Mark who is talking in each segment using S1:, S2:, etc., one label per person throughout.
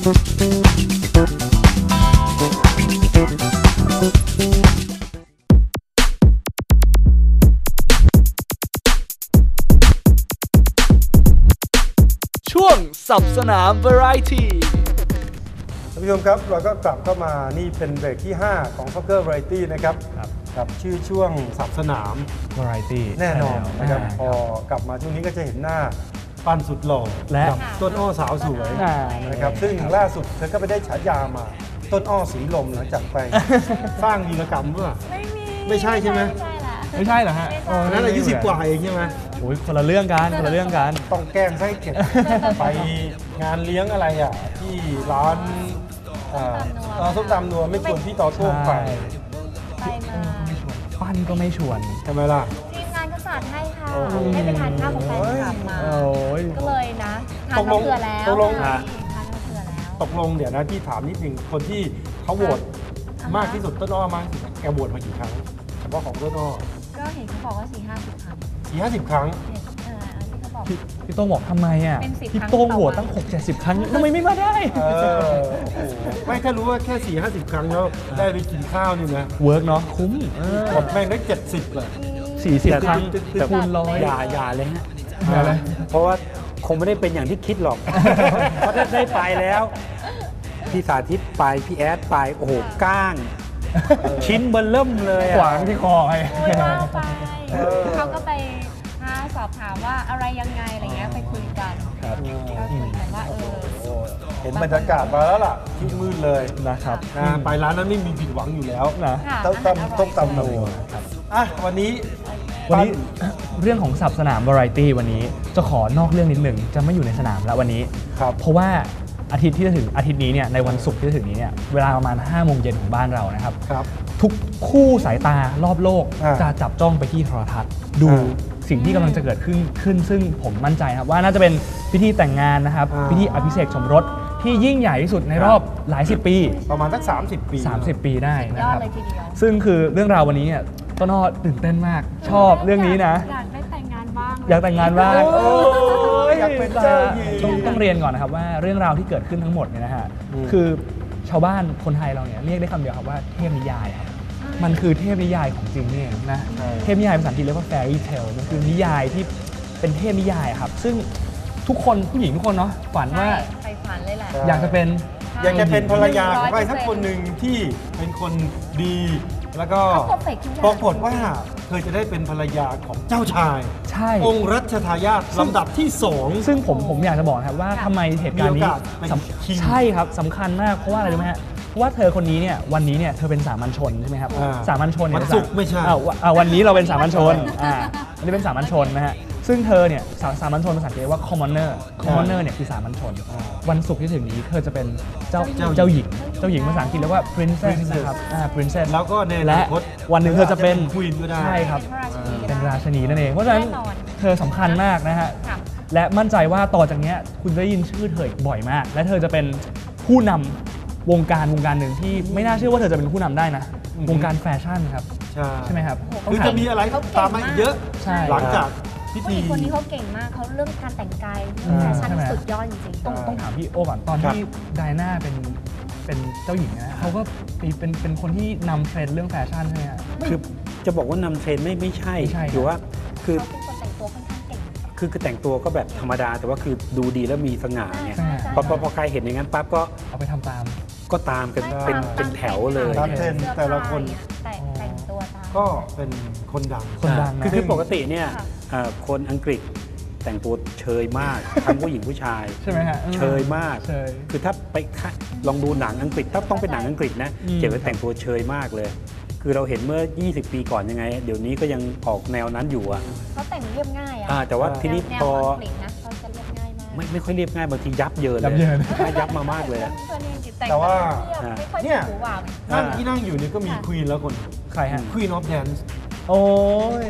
S1: ช่วงสับสนาม Variety
S2: ท่านผู้ชมครับเราก็กลับเข้ามานี่เป็นเบรกที่ 5 ของ Soccer Variety นะครับกับชื่อช่วงสับสนาม
S3: Variety
S2: แน่นอนนะครับพอกลับมาช่วงนี้ก็จะเห็นหน้าปั้นสุดหล่อ
S3: และ
S2: กับต้นอ้อสาวสวยนะครับซึ่งล่าสุดเธอก็ไปได้ฉายามาต้นอ้อสีลมหลังจากไป สร้างวีรกรรมเมื่อไม่ใช่ใช่ไหม
S3: ไม่ใช่เหรอฮะ
S2: นั้นอายุ10 กว่าเองใช่ไหม
S3: โอ้ยคนละเรื่องกันคนละเรื่องกัน
S2: ต้องแกล้งให้เก็บ ไปงานเลี้ยงอะไรอ่ะที่ร้านส้มตำนัวไม่ชวนพี่ต่อโต้งไป
S4: ไปมา
S3: ปั้นก็ไม่ชวน
S2: ทำไมล่ะ
S4: ทีมงานก็สอนให้ค่ะให้ไปทานข้าวกับแฟนคลับมา
S3: โอ้ย
S4: ก็เลยนะทานมะเขือแล้ว
S2: ตกลง
S4: ทานมะเขือแล้ว
S2: ตกลงเดี๋ยวนะพี่ถามนิดนึงคนที่เขาโหวตมากที่สุดต้นอ้อมากที่สุดแกโหวตมากี่ครั้งเฉพาะของต้นอ้อ
S4: ก็เห็นเขาบอกว่า4-50 ครั้ง
S2: 40-50 ครั้ง
S4: ที่เขาบอก
S3: พี่โต้งบอกทำไมอ่ะ
S4: เป็น10
S3: พี่โต้งโหวตตั้ง 6-70 ครั้งทำไมไม่มาได้
S2: โอ้โหไม่ถ้ารู้ว่าแค่ 4-50 ครั้งแล้วได้ไปกินข้าวนี่นะ
S3: เวิร์กเนาะคุ้ม
S2: หมดแม่งได้70เลย
S3: 40 ครั้งคูณร้อย
S5: อย่าเลยฮะ
S3: อะไร
S5: เพราะว่าคงไม่ได้เป็นอย่างที่คิดหรอก เพราะถ้าได้ไปแล้ว พี่สาธิตไป พี่แอดไป โอ้โหก้าง ชิ้นเบลเริ่มเลยอะ
S3: ขวางที่คอไง
S4: คุยว่าไปเขาก็ไปสอบถามว่าอะไรยังไงอะไรเงี้ยไปคุยกัน
S3: ครับ
S4: ก็คุยกันว่า
S2: เห็นบรรยากาศมาแล้วล่ะที่มืดเลย
S3: นะครับ
S2: นะไปร้านนั้นไม่มีผิดหวังอยู่แล้ว
S3: นะ
S4: ค่ะ
S2: ต้มตำนัวอ่ะวันนี้
S3: เรื่องของสับสนาม Variety วันนี้จะขอนอกเรื่องนิดหนึ่งจะไม่อยู่ในสนามแล้ววันนี้
S2: ครับ
S3: เพราะว่าอาทิตย์ที่จะถึงอาทิตย์นี้เนี่ยในวันศุกร์ที่จะถึงนี้เนี่ยเวลาประมาณ5 โมงเย็นของบ้านเรานะครับ
S2: ครับ
S3: ทุกคู่สายตารอบโลก
S2: อ่า
S3: จะจับจ้องไปที่โทรทัศน์ดู
S2: อ่า
S3: สิ่งที่กำลังจะเกิดขึ้นซึ่งผมมั่นใจครับว่าน่าจะเป็นพิธีแต่งงานนะครับ
S2: อ่า
S3: พิธีอภิเษกสมรสที่ยิ่งใหญ่ที่สุดในรอบหลายสิบปี
S2: ประมาณสัก30 ปี
S3: 30 ปีได้นะ
S4: ยอ
S3: ค
S4: ด
S3: รับ
S4: เลยทีเดียว
S3: ซึ่งคือเรื่องราววันนี้เนี่ยต้นอ้อตื่นเต้นมากชอบเรื่องนี้นะ
S4: อยากได้แต่งงานบ้าง
S3: อยากแต่งงานบ้าง
S2: โอ้ยอยากเป็นเจ้าหญิง
S3: ต้องเรียนก่อนนะครับว่าเรื่องราวที่เกิดขึ้นทั้งหมดเนี่ยนะฮะ คือชาวบ้านคนไทยเราเนี่ยเรียกได้คำเดียวครับว่าเทพนิยายครับมันคือเทพนิยายของจริงนี่เองนะเทพนิยายภาษาอังกฤษเรียกว่า fairy tale มันคือนิยายที่เป็นเทพนิยายครับซึ่งทุกคนผู้หญิงทุกคนเนาะฝันว่า
S4: ใฝ่ฝันเลยแหละ
S3: อยากจะเป็น
S2: อยากจะเป็นภรรยาของใครสักคนหนึ่งที่เป็นคนดี แล้วก็
S4: เขา perfect ทุกอย่าง
S2: ปรากฏว่าเธอจะได้เป็นภรรยาของเจ้าชาย
S3: ใช่
S2: องค์รัชทายาทลำดับที่ 2
S3: ซึ่งผมอยากจะบอกนะครับว่าทำไมเหตุการณ์นี้
S2: มีโอกาสเป็น king
S3: ใช่ครับสำคัญมากเพราะว่าอะไรรู้ไหมฮะเพราะว่าเธอคนนี้เนี่ยวันนี้เนี่ยเธอเป็นสามัญชนใช่ไหมครับ
S2: อ่า
S3: สามัญชนเนี่ย
S2: วันศุกร์ไม่ใช่
S3: วันนี้เราเป็นสามัญชนอันนี้เป็นสามัญชนนะฮะซึ่งเธอเนี่ยสามัญชนภาษาอังกฤษว่า commoner เนี่ยคือสามัญชน วันศุกร์ที่ถึงนี้เธอจะเป็นเจ้าหญิงภาษาอังกฤษเรียกว่า princess นะครับprincess
S2: แล้วก็ในอนา
S3: และ
S2: คต
S3: วันหนึ่งเธอจะเป็น
S2: ควีนก็ได้
S3: ใช่ครับ
S4: เป็นพระราชินี
S3: เป็นราชนีนั่นเองเพราะฉะนั้น
S4: แน่นอน
S3: เธอสำคัญมากนะฮะ
S4: ค่ะ
S3: และมั่นใจว่าต่อจากเนี้ยคุณจะได้ยินชื่อเธออีกบ่อยมาก และเธอจะเป็นผู้นำวงการหนึ่งที่ไม่น่าเชื่อว่าเธอจะเป็นผู้นำได้นะ วงการแฟชั่นครับ ใช่ไหมครับ
S2: คือจะมีอะไรตามมาอีกเยอะ
S3: ใช่
S2: หลังจากพิ
S4: ผู้ห
S2: ธี
S4: ญิงคนนี้เขาเก่งมากเขาเรื่องการแต่งกายแฟชั่นที่สุดยอดจริงๆ
S3: ต้องถามพี่โอก่อนตอนที่ไดอาน่าเป็นเจ้าหญิงนะเขาก็เป็นคนที่นำเทรนด์เรื่องแฟชั่นใช่ไหมฮะ
S5: คือจะบอกว่านำเทรนด์ไม่ใช่
S3: ไม่ใช่
S5: หรือว่าคือ
S4: เขาเป็นคนแต่งตัวค่อนข้างเก่ง
S5: คือแต่งตัวก็แบบธรรมดา แต่ว่าคือดูดีแล้วมีสง่าเนี่ย
S4: ใช่
S5: พอใครเห็นอย่างนั้นปั๊บก็
S3: เอาไปทำตาม
S5: ก็ตามกันเป็นแถวเลย
S2: ตามเทรนด์แต่ละคน
S4: แต่งตัวตาม
S2: ก็เป็นคนดัง
S3: คนดังนะ
S5: คือปกติเนี่ย
S4: ค่ะ
S5: คนอังกฤษแต่งตัวเชยมาก ทั้งผู้หญิงผู้ชาย
S3: ใช่ไหมฮะ
S5: เชยมาก
S3: เชย
S5: คือถ้าไปลองดูหนังอังกฤษถ้าต้องเป็นหนังอังกฤษนะ
S3: อืม
S5: เจ๋งแต่งตัวเชยมากเลย คือเราเห็นเมื่อ 20 ปีก่อนยังไง เดี๋ยวนี้ก็ยังออกแนวนั้นอยู่อะ
S4: เขาแต่งเรียบง่ายอะ
S5: แต่ว่าทีนี้
S4: แนว
S5: พอ
S4: อังกฤษนะเขาจะเรียบง่ายมาก
S5: ไม่ค่อยเรียบง่ายบางทียับเยิน
S3: ยั
S5: เล
S3: บ
S5: ย
S3: เยิน
S5: ยับมามากเลยอะ
S4: เพื่อนอังกฤษแต่ง
S2: แต่ว่า
S4: ไม่ค่อย
S2: เนี่ย
S4: ถูหวาน
S2: นั่งที่นั่งอยู่เนี่ยก็มีควีนแล้วคน
S3: ใครฮะ
S2: ควีนออฟแดนซ์
S3: โอ้ย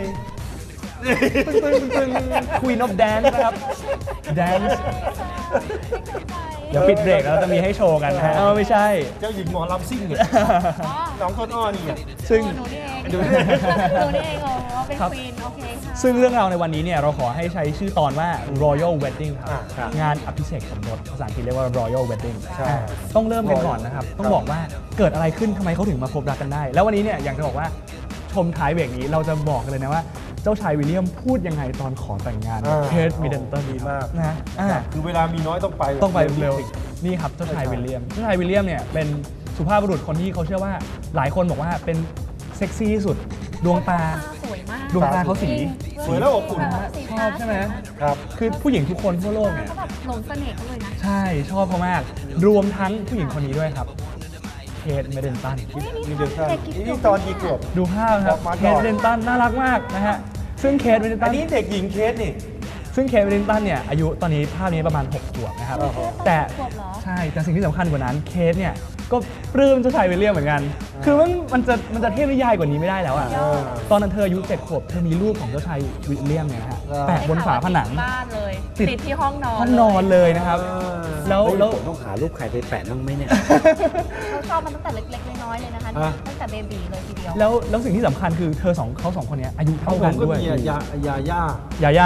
S3: ตึงQueen of Dance นะครับ Dance เดี๋ยวปิดเบรกแล้วจะมีให้โชว์กันนะฮะไม่ใช่
S2: เจ้าหญิงหมอลำซิ่งเนี่ย
S4: อ๋อ
S2: น้องต้นอ้อนี่อ่ะ
S3: ซึ่ง
S4: หนูนี่เอง
S2: ดู
S4: ห
S2: ดิ
S4: นูนี่เองอ๋อเป็น
S3: ครับ
S4: ควีนโอเคค่ะ
S3: ซึ่งเรื่องราวในวันนี้เนี่ยเราขอให้ใช้ชื่อตอนว่า Royal Wedding ครับ
S2: ครับ
S3: งานอภิเษกสมรสภาษาอังกฤษเรียกว่า Royal Wedding
S2: ใช่
S3: ต้องเริ่มกันก่อนนะครับ ต้องบอกว่าเกิดอะไรขึ้นทำไมเขาถึงมาพบรักกันได้ แล้ววันนี้เนี่ยอยากจะบอกว่าชมท้ายเบรกนี้เราจะบอกกันเลยนะว่า เจ้าชายวิลเลียมพูดยังไงตอนขอแต่งงานกับเคทมิดเดิลตัน
S2: ดีมาก
S3: นะ
S2: คือเวลามีน้อยต้องไป
S3: ต้องไปเร็วนี่ครับเจ้าชายวิลเลียมเนี่ยเป็นสุภาพบุรุษคนที่เขาเชื่อว่าหลายคนบอกว่าเป็นเซ็กซี่ที่สุดดวงตา
S4: สวยมาก
S3: ดวงตาเขาสี
S2: สวยแล้วอบอุ่น
S3: ชอบใช่ไหม
S2: ครับ
S3: คือผู้หญิงทุกคนทั่วโลกเนี่ย
S4: เขาแบบหลงเสน่ห์เขาเลยนะ
S3: ใช่ชอบเขามาก รวมทั้งผู้หญิงคนนี้ด้วยครับเคทมิดเดิลตัน
S2: นี่เดือนสั้นนี่ตอนกี่ขวบ
S3: ดูภาพครับ
S2: ออกมา
S3: เค
S2: ก่
S3: ท
S2: อน
S3: มิดเดิลตันน่ารักมากนะฮะซึ่งเคทมิดเดิลตั
S2: อั
S3: น
S2: นนี้เด็กหญิงเคสนี่
S3: ซึ่งเคทมิดเดิลตันเนี่ยอายุตอนนี้ภาพนี้ประมาณ6 ขวบนะครับ
S2: โอ้โห
S3: แต่
S4: ขวบเหรอ
S3: ใช่แต่สิ่งที่สำคัญกว่านั้นเคทเนี่ยก็ปลื้มเจ้าชายวิลเลียมเหมือนกัน คือมันจะเทพนิยายกว่านี้ไม่ได้แล้วอ่ะ
S2: เออ
S3: ตอนนั้นเธออายุ7 ขวบเธอมีรูปของเจ้าชายวิลเลียมเนี่ยนะฮะ
S2: เออ
S3: แปะบนฝาผนัง
S4: บ้านเลย
S3: ติด
S4: ติดที่ห้องนอน
S3: ห้องนอนเลยนะครับ แล้ว
S5: เฮ้ย
S3: แล้ว
S5: ผมต้องหารูปใครไปแปะบ้างไหมเนี่ย
S4: เขาชอบมันตั้งแต่เล็กๆน้อยๆเลยนะคะ
S2: อ่ะ
S4: ตั้งแต่เบบีเลยทีเดียว
S3: แล้วสิ่งที่สำคัญคือเขาสองคนเนี้ยอายุเท่า
S2: ผ
S3: กั
S2: ม
S3: น
S2: ก็
S3: ด้วย
S2: มียาย่า
S3: ยาย่า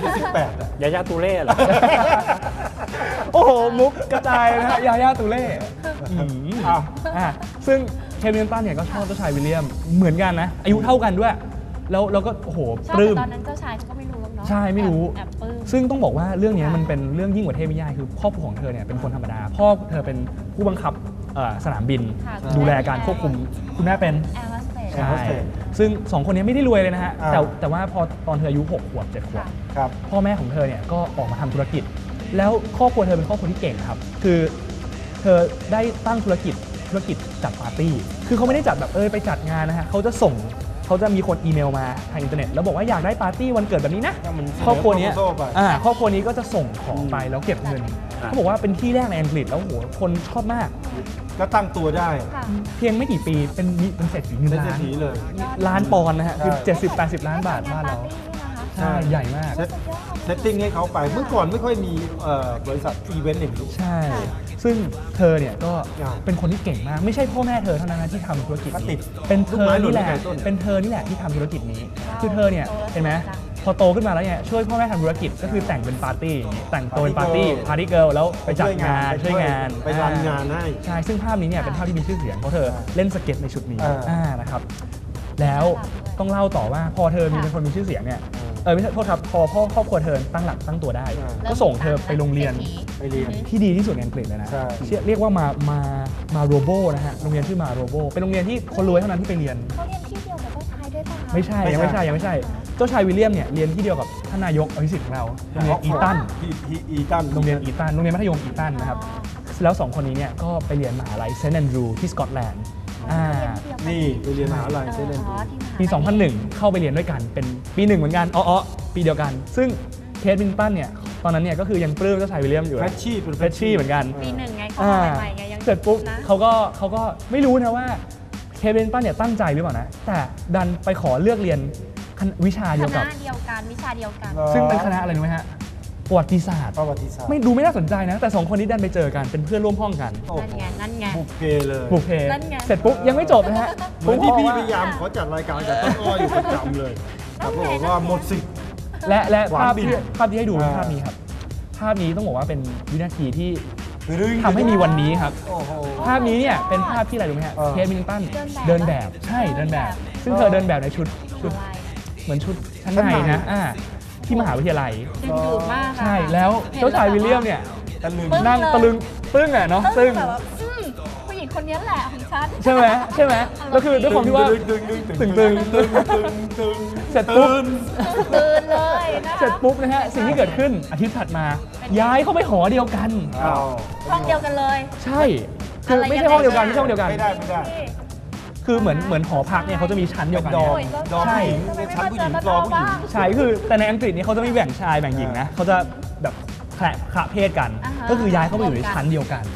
S2: 18อ่ะ
S5: ยายาตูเล่เหรอ
S3: โอ้โห มุกกระจายนะฮะยาย่าตูเล่อ้าวซึ่งเคทมิดเดิลตันเนี่ยก็ชอบเจ้าชายวิลเลียมเหมือนกันนะ อายุเท่ากันด้วย แล้วก็โอ้โห
S4: ชอบ
S3: ปลื้ม
S4: แต่ตอนนั้นเจ้าชายเขาก็ไม่รู้หรอกเนาะ
S3: ใช่ไม่รู้
S4: แอบปลื้ม
S3: ซึ่งต้องบอกว่าเรื่องนี้มันเป็นเรื่องยิ่งกว่าเทพนิยายคือครอบครัวของเธอเนี่ยเป็นคนธรรมดา พ่อเธอเป็นผู้บังคับสนามบิน
S4: ค่ะ
S3: ดูแลการควบคุมคุณแม่เป็น
S4: แอร์โฮสเตส
S2: แอร์โฮสเตส
S3: ซึ่งสองคนนี้ไม่ได้รวยเลยนะฮะ
S2: อ่า
S3: แต่ว่าพอตอนเธออายุ6 ขวบ 7 ขวบ
S4: ค่ะ
S2: ครับ
S3: พ่อแม่ของเธอเนี่ยก็ออกมาทำธุรกิจ แล้วครอบครัวเธอเป็นครอบครัวที่เก่งครับ คือเธอได้ตั้งธุรกิจจัดปาร์ตี้ คือเขาไม่ได้จัดแบบไปจัดงานนะฮะเขาจะมีคนอีเมลมาทางอินเทอร์เน็ตแล้วบอกว่าอยากได้ปาร์ตี้วันเกิดแบบนี้นะ
S2: ถ้ามันเสนอ
S3: ครอบครัวเนี้ย
S2: proposal ไป
S3: ครอบครัวนี้ก็จะส่งของไปแล้วเก็บเงิน
S5: อ่า
S3: เขาบอกว่าเป็นที่แรกในอังกฤษแล้วโหคนชอบมาก
S2: ก็ตั้งตัวได้
S4: ค่ะ
S3: เพียงไม่กี่ปีเป็นเศรษฐีเงิน
S2: เป็นเศรษ
S3: ล้าน
S2: ฐีเลย
S3: ล้านปอนด์นะฮะคือ
S2: ใช่
S3: 70-80 ล้านบาทบ้านเรา
S4: ปร์ตี้นี่นะคะ
S3: ใช่ใหญ่มาก
S2: เซตติ้งให้เขาไป เมื่อก่อนไม่ค่อยมีบริษัทอีเวนต์อย่างนี้
S3: ใช่ ซึ่งเธอเนี่ยก็
S2: อ่า
S3: เป็นคนที่เก่งมาก ไม่ใช่พ่อแม่เธอเท่านั้นนะที่ทำธุรกิจ
S2: ก็ติ
S3: นี้
S2: ด
S3: เป็นเธอนี่แหละ
S2: ลูกไม้หล่นไม่ไกลต้น
S3: เป็นเธอนี่แหละที่ทำธุรกิจนี้
S4: ว้าว
S3: คือเธอเนี่ย
S4: โตแล้ว
S3: เห็นไหม
S4: จ้ะ
S3: พอโตขึ้นมาแล้วเนี่ยช่วยพ่อแม่ทำธุรกิจก็คือแต่งเป็นปาร์ตี้อย่างนี้แต่งตัวเป็นปาร์ตี้เกิร์ลแล้วไปจัดงานช่วยงาน
S2: ไปรันงานให้
S3: ใช่ ซึ่งภาพนี้เนี่ยเป็นภาพที่มีชื่อเสียงเพราะเธอเล่นสเก็ตในชุดนี้ นะครับ แล้วต้องเล่าต่อว่าพอเธอมีเป็นคนมีชื่อเสียงเนี่ยไม่ใช่โทษครับพอพ่อครอบครัวเธอตั้งหลักตั้งตัวได้ ก็ส่งเธอไปโรงเรียน
S2: ไปเรียน
S3: ที่ดีที่สุดในอังกฤษเลยนะ
S2: ใช่
S3: เรียกว่ามาโรโบนะฮะ โรงเรียนชื่อมาโรโบ เป็นโรงเรียนที่คนรวยเท่านั้นที่ไปเรียน
S4: เขาเรียนที่เดียวกับเจ้าชายด้วยป่ะคะ
S3: ไม่ใช่ ยังไม่ใช่ เจ้าชายวิลเลียมเนี่ยเรียนที่เดียวกับท่านนายกอภิสิทธิ์ของเรา โรงเรียนอีตัน
S2: อีตัน
S3: โรงเรียนอีตัน โรงเรียนมัธยมอีตันนะครับ แล้วสองคนนี้เนี่ยก็ไปเรียนมหาลัยเซนต์แอนดรูที่สกอตแลนด์
S2: นี่ไปเรียนมหาลัยเซเลน
S3: ปี 2001 เข้าไปเรียนด้วยกัน เป็นปีหนึ่งเหมือนกันปีเดียวกัน ซึ่งเคทมิดเดิลตันเนี่ย ตอนนั้นเนี่ยก็คือยังปลื้มเจ้าชายวิลเลียมอยู่
S2: แฟชชี่เป็น
S3: เฟชชี่เหมือนกัน
S4: ปีหนึ่งไงเข้า
S3: อ่า
S4: มาใหม่ๆไงยัง
S3: เสร็จปุ๊บ
S4: นะ
S3: เขาก็ไม่รู้นะว่าเคทมิดเดิลตันเนี่ยตั้งใจหรือเปล่านะ แต่ดันไปขอเลือกเรียนวิชา
S4: ค
S3: เดียวกั
S4: ณะ
S3: บ
S4: เดียวกันวิชาเดียวกัน
S3: ซึ่งเป็นคณะอะไรรู้ไหมฮะประวัติศาสตร์
S2: ประวัติศาสตร์
S3: ไม่น่าสนใจนะ แต่สองคนนี้ดันไปเจอกันเป็นเพื่อนร่วมห้องกัน
S2: โอ้
S4: นั่น
S2: โห
S4: ไงนั่นไง
S2: บุกเพเลย
S3: บุกเพ
S4: นั่นไง
S3: เสร็จปุ๊บยังไม่จบนะฮะ
S2: เหมือนที่พี่
S3: ผม
S2: พยายามขอจัดรายการกับต้นอ้ออยู่ประจำเลยแต่ปรากฏว่าหมดสิทธิ์
S3: และ
S2: หวาน
S3: ภาพ
S2: บิน
S3: ที่ให้ดูเป็นภาพนี้ครับ ภาพนี้ต้องบอกว่าเป็นวินาทีที่
S2: ดึง
S3: ทำให้มีวันนี้ครับ
S2: โอ้โห
S3: ภาพนี้เนี่ยเป็นภาพที่อะไรรู้ไหมฮะ
S2: เออ
S3: เคทมิดเดิลตัน
S4: เดิ
S3: เดิ
S4: น
S3: น
S4: แบ
S3: แบบ บใช่เดินแบบ ซึ่งเธอเดินแบบในชุด
S4: อะไร
S3: เหมือนชุดชั้นในนะที่มหาวิทยาลัย
S4: ดึงดูดมากอะ
S3: ใช่แล้วเจ้าชายวิลเลียมเนี่ย
S2: ตะลึง
S4: ปึ้ง
S3: นั่งตะลึงปึ้งอะเนาะ
S4: ซึ่
S3: ซึ่
S4: ง
S3: ง
S4: แบบว่าผู้หญิงคนนี้แหละของฉัน
S3: ใช่ไหมแล้วคือด้วยความที่ว่า
S2: ตึง
S3: ตึง เสร็จปุ๊บ
S4: ตื่นเลยนะคะ
S3: เสร็จปุ๊บนะฮะสิ่งที่เกิดขึ้นอาทิตย์ถัดมา ย้ายเข้าไปหอเดียวกัน
S2: อ้าว
S4: ห้องเดียวกันเลย
S3: ใช่คือไม่ใช่ห้องเดียวกันไม่ใช่ห้องเดียวกัน
S2: ไม่ได้
S3: คือเหมือนหอพักเนี่ยเขาจะมีชั้นเดียวกัน
S2: ดอม
S3: เนี่ย
S2: ดอม
S3: ใช่
S2: ผู้หญิงในชั้นผู้หญิงรอผู้หญิง
S3: ใช่คือแต่ในอังกฤษเนี่ยเขาจะไม่แบ่งชายแบ่งหญิงนะเขาจะแบบคละเพศกัน ก็คือย้ายเข้าไปอยู่ในชั้นเดียวกัน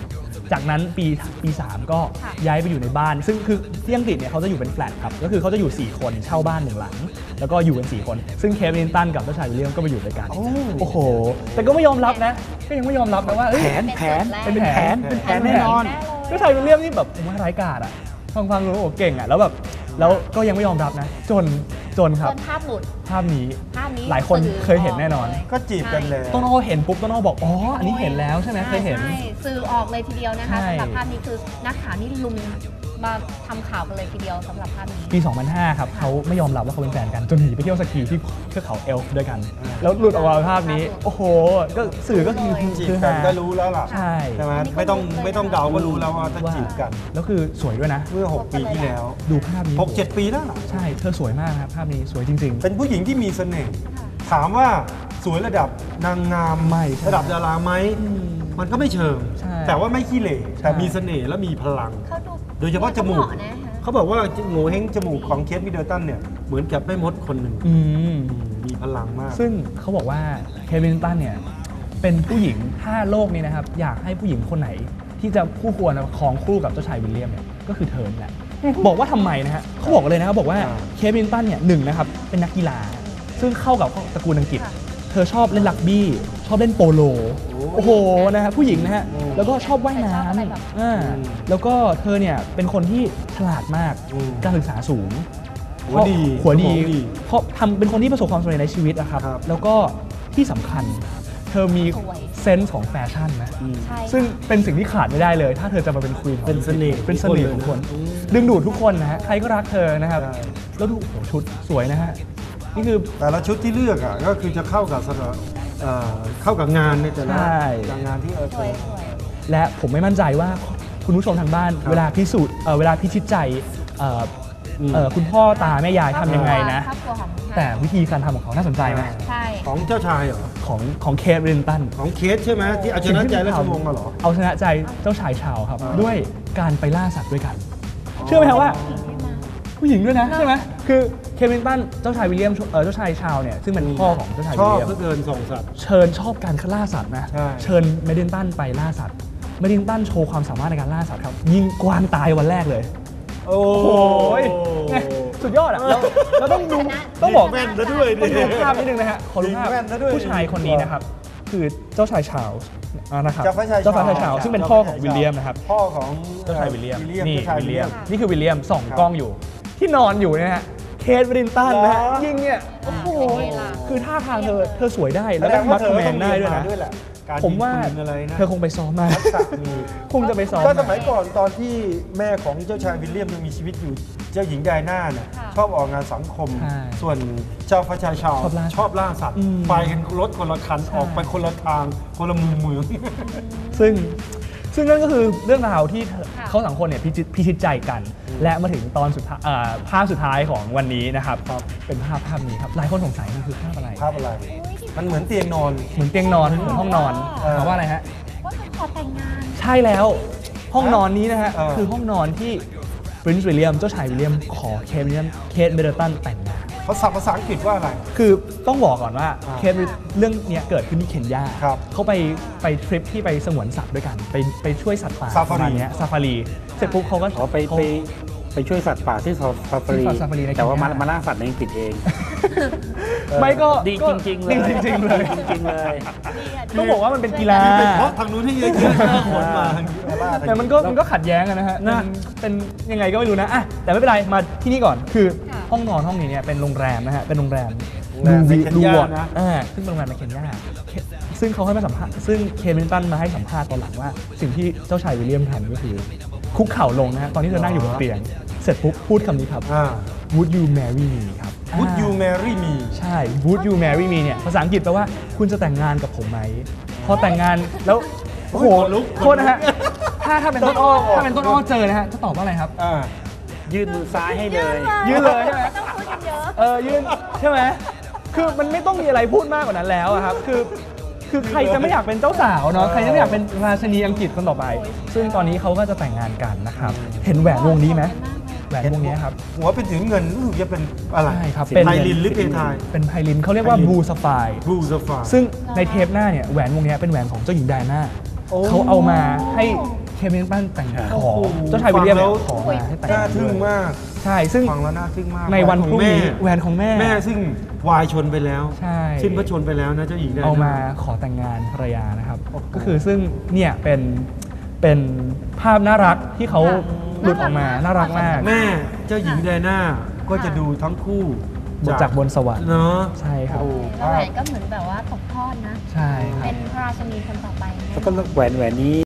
S3: จากนั้นปี 3 ก็
S4: ค่ะ
S3: ย้ายไปอยู่ในบ้าน ซึ่งคือที่อังกฤษเนี่ยเขาจะอยู่เป็นแฟลตครับก็คือเขาจะอยู่ 4 คนเช่าบ้าน1 หลัง แล้วก็อยู่กัน 4 คน ซึ่งเคทวิลลิงตันกับเจ้าชายวิลเลียมก็ไปอยู่ด้วยกันโอ้โหแต่ก็ไม่ยอมรับนะก็ยังไม่ยอมรับนะว่าเอ้ย
S5: แผน
S3: เป็นแผน
S5: แน่นอน
S3: เจ้าชายวิลเลียมนี่แบบผมว่าร้ายกาจอะฟังดูโอ้เก่งอะแล้วแบบแล้วก็ยังไม่ยอมรับนะจนครับ
S4: จนภาพหลุด
S3: ภาพนี้
S4: ภาพนี้
S3: หลายคน
S4: สื่อ
S3: เคยเห็นแน่นอน
S4: กเลย
S2: ก็จีบกันเลย
S3: ต้นอ้อเห็นปุ๊บต้นอ้อบอกอ๋ออันนี้เห็นแล้วใช่ไหมเคยเห็น
S4: ใช่สื่อออกเลยทีเดียวนะคะ
S3: ใช่
S4: สำหรับภาพนี้คือนักข่าวนี่ลุมมาทำข่าวกันเลยทีเดียวสำหรับภาพนี้
S3: ปี 2005 ครับเขาไม่ยอมรับว่าเขาเป็นแฟนกันจนหนีไปเที่ยวสกีที่เทือกเขาเอลฟ์ด้วยกัน แล้วหลุดออกมาภาพนี้ โอ้โหก็สื่อก็คือ
S2: จีบ
S3: คือ
S2: กัน
S3: ฮา
S2: ก็รู้แล้วล่ะ
S3: ใช่
S2: ใช่ไหมไม่ต้องเดาก็รู้แล้วว่าถ้าจีบกัน
S3: แล้วคือสวยด้วยนะ
S2: เมื่อ 6 ปีที่แล้ว
S3: ดูภาพนี้
S2: 6-7 ปีแล้วล่ะ
S3: ใช่เธอสวยมากครับภาพนี้สวยจริง
S2: เป็นผู้หญิงที่มีเสน่ห์ถามว่าสวยระดับนางงาม
S3: ไม่ใช่
S2: ระดับดาราไหมมันก็ไม่เชิง
S3: ใช่
S2: แต่ว่าไม่ขี้เหร่แต่
S3: ใช่
S2: มีเสน่ห์และมีพลัง
S4: เขาดู
S2: โดยเฉพาะจมูก
S4: เหาะนะคะ
S2: เขาบอกว่าโง่เฮงจมูกของเคทมิดเดิลตันเนี่ยเหมือนกับแม่มดคนหนึ่ง
S3: อืม
S2: มีพลังมาก
S3: ซึ่งเขาบอกว่าเคทวิลลิงตันเนี่ยเป็นผู้หญิงถ้าโลกนี้นะครับอยากให้ผู้หญิงคนไหนที่จะคู่ควรครองคู่กับเจ้าชายวิลเลียมเนี่ยก็คือเธอแหละบอกว่าทำไมนะฮะเขาบอกเลยนะครับบอกว่า
S2: อ่า
S3: เคทวิลลิงตันเนี่ยหนึ่งนะครับเป็นนักกีฬา ซึ่งเข้ากับตระกูลอังกฤษ เธอชอบเล่นรักบี้ ชอบเล่นโปโล โอ้โหนะฮะผู้หญิงนะฮะแล้วก็ชอบว่ายน้
S4: ชอบอะไรแบบ
S3: ำแล้วก็เธอเนี่ยเป็นคนที่ฉลาดมาก
S2: อืม
S3: การศึกษาสูง
S2: หัวดี
S3: หัวดี
S2: สมองดี
S3: เพราะทำเป็นคนที่ประสบความสำเร็จในชีวิตอะครับ
S2: ครับ
S3: แล้วก็ที่สำคัญ เธอมี
S4: สวย
S3: เซนส์ของแฟชั่นนะ
S4: ใช่
S3: ซึ่งเป็นสิ่งที่ขาดไม่ได้เลย ถ้าเธอจะมาเป็นควีน
S2: เป็นเสน่ห์
S3: เป็นเสน่ห์ของคน ดึงดูดทุกคนนะฮะ ใครก็รักเธอนะครับ
S2: ใช่
S3: แล้วดูโอ้โหชุดสวยนะฮะ นี่คือ
S2: แต่ละชุดที่เลือกอ่ะก็คือจะเข้ากับเข้ากับงานในแต่ละ
S3: ใช่
S2: งานที่
S4: สวย
S3: และผมไม่มั่นใจว่าคุณผู้ชมทางบ้าน
S2: ครับ
S3: เวลาพิสูจน์เวลาพิชิตใจคุณพ่อตาแม่ยายทำยังไงนะ
S4: ครอบครัวของ
S3: แต่วิธีการทำของเขาน่าสนใจไหม
S4: ใช่
S2: ของเจ้าชายเหรอ
S3: ของเคทวิลลิงตัน
S2: ของเคสใช่ไหมที่เอาชนะใจราชวงศ์มาเหรอ
S3: เอาชนะใจเจ้าชายชาวครับ ด้วยการไปล่าสัตว์ด้วยกัน เชื่อไหมครับว่า ผู้หญิงด้วยนะใช่ไหมคือเคทวิลลิงตันเจ้าชายวิลเลียมเจ้าชายชาวเนี่ยซึ่งเป็นพ่อของเจ้าชาย
S2: ช
S3: วิล
S2: อบ
S3: เลียม
S2: เพื่อเดินส่งสัตว์
S3: เชิญชอบการล่าสัตว์นะ
S2: ใช่
S3: เชิญเมดินตันไปล่าสัตว์เมดินตันโชว์ความสามารถในการล่าสัตว์ครับยิงกวางตายวันแรกเลย
S2: โอ้
S3: โอ้ยไงสุดยอดอ่ะแล้วต้องดูต้องบอก
S2: แม่นซะด้วยดิ
S3: ต้องดูภาพนิดนึงนะฮะขอดูภาพ
S2: แม่นซะด้วย
S3: ผู้ชายคนนี้นะครับคือเจ้าชายชาร์ลส์นะครับ
S2: เจ้าฟ้าชาย
S3: เจ้าฟ้าชายชาร์ลส์ซึ่งเป็นพ่อของวิลเลียมนะครับ
S2: พ่อของ
S3: เจ้าชายวิลเลียม
S2: นี่
S3: นี่
S2: เจ้าชาย
S3: วิ
S2: วิ
S3: ล
S2: ล
S3: เลี
S2: เลี
S3: ย
S2: ย
S3: ม
S2: ม
S3: นี่คือวิลเลียมส่อง
S2: ครับ
S3: กล้องอยู่ ที่นอนอยู่นะฮะเคทวิลลิงตันนะฮะ
S2: เหรอ
S3: ยิงเนี่ยโอ้โหคือท่าทางเธอสวยได้
S2: แส
S3: แล้ว
S2: ด
S3: ก็
S2: ง
S3: มั
S2: ว่า
S3: ด
S2: เธอ
S3: แม
S2: ต้อน ง
S3: ได้
S2: เรียน
S3: ด้วย
S2: มา
S3: นะ
S2: ด้วยแหละการ
S3: ผมว่า
S2: ยิงปืนอะไรนะ
S3: เธอคงไปซ้อมมา
S2: ทักษะมี
S3: คงจะไปซ้อม
S2: ก็ส
S3: มา
S2: มัยก่อนตอนที่แม่ของเจ้าชายวิลเลียมยังมีชีวิตอยู่เจ้าหญิงไดอาน่าเนี่ยชอบออกงานสังคม
S3: ใช่
S2: ส่วนเจ้าฟ้าชายชาว
S3: ชอบล่าสัตว์
S2: ชอบล่าสัตว์
S3: อืม
S2: ไปกันรถคนละคัน
S3: ใช่
S2: ออกไปคนละทางคนละมุมเมือง
S3: ซึ่งนั่นก็คือเรื่องราวที่เขาสองคนเนี่ยพิชิตใจกัน และมาถึงตอนสุดท้ายภาพสุดท้ายของวันนี้นะครับเป็นภาพนี้ครับหลายคนสงสัยมันคือภาพอะไร
S2: ภาพอะไร มันเหมือนเตียงนอน
S3: เหมือนเตียงนอนเหมือนห้องนอน
S2: เออ
S3: ถามว่าอะไรฮะ
S4: ว่าเขาขอแต่งงาน
S3: ใช่แล้วห้องนอนนี้นะฮะ
S2: เออ
S3: คือห้องนอนที่ปรินซ์วิลเลียมเจ้าชายวิลเลียมขอเคทมิดเดิลตันแต่งงาน
S2: ภาษาอังกฤษว่าอะไร
S3: คือต้องบอกก่อนว่า
S2: อ่า
S3: เคสเรื่องเนี้ยเกิดขึ้นที่เคนยา
S2: ครับ
S3: เขาไปทริปที่ไปสงวนสัตว์ด้วยกัน ไปช่วยสัตว์ป่า
S2: ซาฟารี
S3: ประมาณเนี้ยซาฟารีเสร็จปุ๊บเขาก็
S5: อ๋อไปช่วยสัตว์ป่าที่ซาฟารี
S3: ที่ซาฟารีใน
S5: แต่ว่า
S3: เคนยา
S5: มาล่าสัตว์ในอังกฤษเอง
S3: ไม่ก็
S5: ดีจริงๆเลย
S3: ดีจริงๆเลย
S5: จริงๆเลย
S3: ต้องบอกว่ามันเป็นกีฬา
S2: เป็นเพราะทางนู้นที่เยอะๆนะขนมาทางนี้ล่าทาง
S3: แต่มันก็ขัดแย้งกันนะฮะเป็นยังไงก็ไม่รู้นะอ่ะแต่ไม่เป็นไรมาที่นี่ก่อนคือห้องนอนห้องนี้เนี่ยเป็นโรงแรมนะฮะเป็นโรงแรม
S2: ในเคนยา
S3: ดูวอร์ด
S2: นะ
S3: ซึ่งเป็นโรงแรมในเคนยาซึ่งเขาให้มาสัมภาษณ์ซึ่งเคทวิลลิงตันมาให้สัมภาษณ์ตอนหลังว่าสิ่งที่เจ้าชายวิลเลียมทำก็คือคุกเข่าลงนะฮะตอนที่เธอนั่งอยู่บนเตียงเสร็จปุ๊บพูดคำนี้ครับ Would you marry me ครับ
S2: Would you marry me
S3: ใช่ Would you marry me เนี่ยภาษาอังกฤษแปลว่าคุณจะแต่งงานกับผมไหมพอแต่งงานแล้วโอ้โห
S2: ขนลุก
S3: โทษนะฮะถ้าเป็นต้นอ้อเจอนะฮะจะตอบว่าอะไรครับ
S5: ยื่นมือซ้ายให้เลย
S3: ยื่นเลยใช่ไหม
S4: ต้องพูดกันเยอะ
S3: ยื่นใช่ไหมคือมันไม่ต้องมีอะไรพูดมากกว่านั้นแล้วอะครับคือใครจะไม่อยากเป็นเจ้าสาวเนาะใครจะไม่อยากเป็นราชินีอังกฤษคนต่อไป ซึ่งตอนนี้เขาก็จะแต่งงานกันนะครับเห็นแหวนวงนี้ไหมแหวนวงนี้ครับ
S2: หัวเป็นถึงเงินรู้สึกจะเป็นอะไร
S3: ใช่ครับ
S2: ไพลินหรือเพทาย
S3: เป็นไพลินเขาเรียกว่า
S2: ไพลิน
S3: บลูสไฟ
S2: บลูซาฟา
S3: ซึ่งในเทปหน้าเนี่ยแหวนวงนี้เป็นแหวนของเจ้าหญิงไดอาน่า
S2: โอ้
S3: เขาเอามาให้เคมิลตันแต่ง
S5: โอ้
S3: ข
S5: โห
S3: อเจ้าชายวิลเลียมเนี่ย
S2: ฟังแล้ว
S3: ขอมาให้แต่ง
S2: น่าทึ่งมาก
S3: ใช่ซึ่ง
S2: ฟังแล้วน่าทึ่งมาก
S3: ในวันพรุ่งนี้แหวนของแม่
S2: แม่ซึ่งวายชนไปแล้ว
S3: ใช่
S2: สิ้นพระชนไปแล้วนะเจ้าหญิงไดอาน่า
S3: เอามาขอแต่งงานภรรยานะครับ
S2: โอ้โห
S3: ก็คือซึ่งเนี่ยเป็นภาพน่ารักที่เขาหลุดออกมาน่ารักมาก
S2: แม่เจ้าหญิงไดอาน่าก็จะดูทั้งคู่
S3: จากบนสวรรค์
S2: เนาะ
S3: ใช่ครับ
S2: โอ้
S4: แล้วแหวนก็เหมือนแบบว่าตกทอดนะ
S3: ใช่ครับ
S4: เป็นพระราชินีคนต่อไปแน่นอน
S5: แล้วก็แหวนนี้